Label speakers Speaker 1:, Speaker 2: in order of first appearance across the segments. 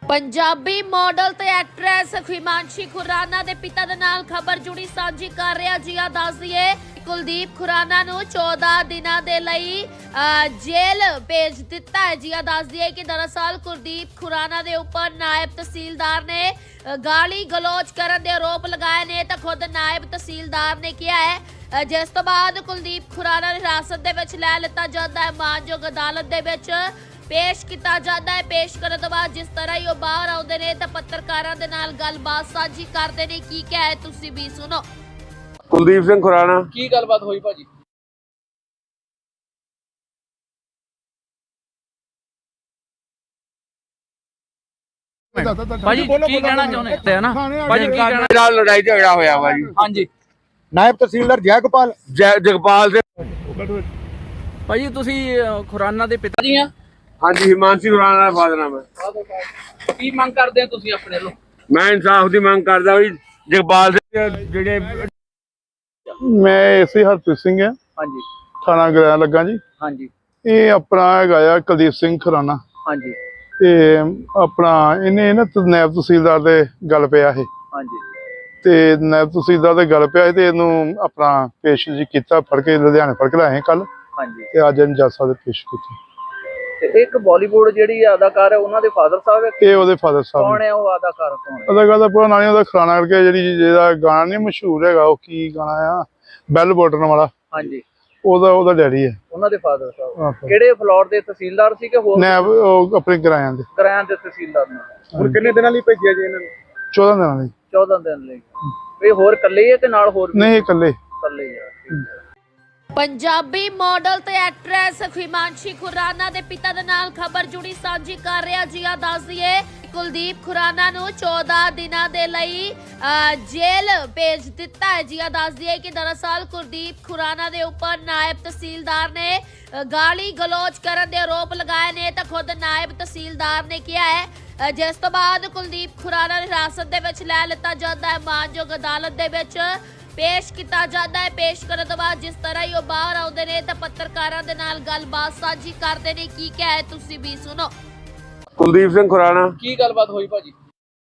Speaker 1: Punjabi model ते actress Himanshi Khurana दे पिता दे नाल खबर जुड़ी साझी कर रहा जी। दस दिए कुलदीप खुराना नू 14 दिनों के लिए जेल भेज दिता है जी। दस दिए कि दरअसल कुलदीप खुराना दे उपर नायब तहसीलदार ने गाली गलोच करने के आरोप लगाए ने तो खुद नायब तहसीलदार ने किया है, जिस तो बाद कुलदीप खुराना हिरासत दे विच लै लिता जाता है। मानयोग अदालत दे विच पेश किया जाता है। पेश करने तो बाद जिस तरह ही बाहर आते हैं तो पत्रकारों के नाल गलबात साझी करते हैं। की क्या है तुसी भी सुनो।
Speaker 2: कुलदीप सिंह खुराना
Speaker 3: की गलबात हुई भाजी? भाजी की कहना चाहते हैं ना भाजी, की कहना?
Speaker 2: मेरा लड़ाई झगड़ा होया वा जी।
Speaker 3: हाँ जी
Speaker 4: नायब तहसीलदार
Speaker 2: जगपाल से
Speaker 3: भाजी तुसी खुराना दे पिता जी हैं?
Speaker 2: हाँ जी, हिमांशी खुराना का फादर नाम है।
Speaker 3: की मंग करते हैं तुसी अपने लो?
Speaker 2: मैं इंसाफ की मांग करदा भी जगपाल से जेडे
Speaker 4: मैं इसे हरप्रीत सिंह है,
Speaker 3: हाँ जी
Speaker 4: थाना गराया लगा जी।
Speaker 3: हाँ जी
Speaker 4: ये अपना है कुलदीप सिंह खुराना
Speaker 3: हाँ जी
Speaker 4: ते अपना इन्हें ना नायब तहसीलदार दे गल पिया है
Speaker 3: हाँ जी
Speaker 4: ते नायब तहसीलदार दे गल पिया ते इनू अपना पेश जी किया, फड़ के लुधियाने फड़ के लाए कल
Speaker 3: हाँ जी।
Speaker 4: ते अज इन जज साहब दे पेश किया।
Speaker 3: ते एक बॉलीवुड जेडी अदाकार है उन्हां दे फादर साहब है?
Speaker 4: ये ओदे फादर साहब
Speaker 3: कौन है वो अदाकार? कौन है?
Speaker 4: अदाकार दा पूरा नाम नहीं, ओदा खुराना करके जेहड़ा गाना नहीं मशहूर है, वो की गाना आ बैल बटन वाला,
Speaker 3: हाँ जी
Speaker 4: ओदा डैडी है।
Speaker 3: उन्हां दे फादर साहब
Speaker 4: आहो।
Speaker 3: केड़े फ्लोर दे तहसीलदार सी के होर
Speaker 4: नायब अपने किराया दे
Speaker 3: करायां दे तहसीलदार ने?
Speaker 4: ਹੁਣ
Speaker 3: किन्ने दिनां लई भेजिया जी इन्हां
Speaker 4: 14 दिनों ਦੀ
Speaker 3: 14 दिन लई। वे होर कल्ले ही है कि नाल होर भी?
Speaker 4: नहीं इकल्ले।
Speaker 3: कल्ले ही है, ठीक है।
Speaker 1: पंजाबी मॉडल ते एक्ट्रेस हिमांशी खुराना दे पिता दे नाल खबर जुड़ी साझी कर रहा जी। दस दिए कुलदीप खुराना नू 14 दिनों के लिए जेल भेज दिता है जी। दस दिए कि दरअसल कुलदीप खुराना दे उपर नायब तहसीलदार ने गाली गलोच करने के आरोप लगाए ने तो खुद नायब तहसीलदार ने किया है, जिस तो बाद कुलदीप खुराना हिरासत दे विच लै लिता जाता है। मानयोग अदालत दे विच पेश किया जाता है। पेश करने तो बाद जिस तरह ही बाहर आते हैं तो पत्रकारों के नाल गलबात साझी करते हैं। की क्या है तुसी भी सुनो।
Speaker 2: कुलदीप सिंह खुराना
Speaker 3: की गलबात हुई भाजी?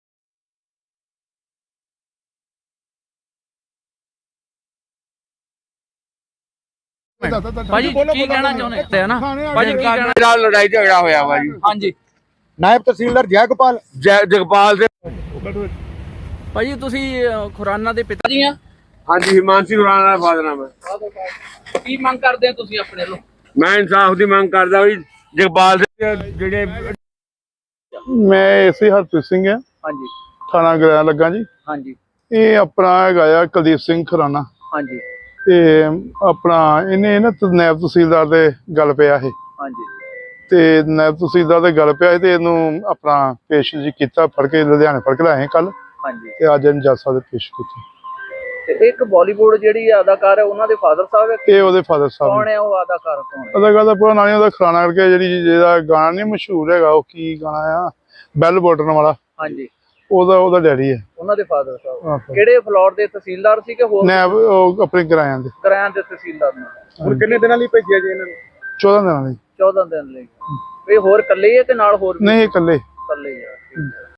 Speaker 3: भाजी की कहना चाहते हैं ना भाजी, की कहना?
Speaker 2: मेरा लड़ाई झगड़ा होया वा जी।
Speaker 3: हाँ जी
Speaker 4: नायब तहसीलदार
Speaker 2: जगपाल से
Speaker 3: भाजी तुसी खुराना दे पिता जी हैं?
Speaker 2: हाँ जी, हिमांशी खुराना का फादर नाम है।
Speaker 3: की मंग करते हैं तुसी अपने लो?
Speaker 2: मैं इंसाफ की मांग करदा भी जगपाल से जेडे
Speaker 4: मैं इसे हरप्रीत सिंह है,
Speaker 3: हाँ जी
Speaker 4: थाना गराया लगा जी।
Speaker 3: हाँ जी
Speaker 4: ये अपना है कुलदीप सिंह खुराना
Speaker 3: हाँ जी
Speaker 4: ते अपना इन्हें ना नायब तहसीलदार दे गल पिया है
Speaker 3: हाँ जी
Speaker 4: ते नायब तहसीलदार दे गल पिया ते इनू अपना पेश जी किया, फड़ के लुधियाने फड़ के लाए कल
Speaker 3: हाँ जी।
Speaker 4: ते अज इन जज साहब दे पेश किया।
Speaker 3: ते एक बॉलीवुड जेडी अदाकार है उन्हां दे फादर साहब है?
Speaker 4: ये ओदे फादर साहब
Speaker 3: कौन है वो अदाकार? कौन है?
Speaker 4: अदाकार दा पूरा नाम नहीं, ओदा खुराना करके जेहड़ा गाना नहीं मशहूर है, वो की गाना आ बैल बटन वाला,
Speaker 3: हाँ जी
Speaker 4: ओदा डैडी है।
Speaker 3: उन्हां दे फादर साहब
Speaker 4: आहो।
Speaker 3: केड़े फ्लोर दे तहसीलदार सी के होर
Speaker 4: नायब अपने किराया दे
Speaker 3: करायां दे तहसीलदार ने? हुण किन्ने दिनां लई भेजिया जी इन्हां
Speaker 4: 14 दिनों ਦੀ
Speaker 3: 14 दिन लई। वे होर कल्ले ही है कि नाल होर भी?
Speaker 4: नहीं इकल्ले।
Speaker 3: कल्ले ही है, ठीक है।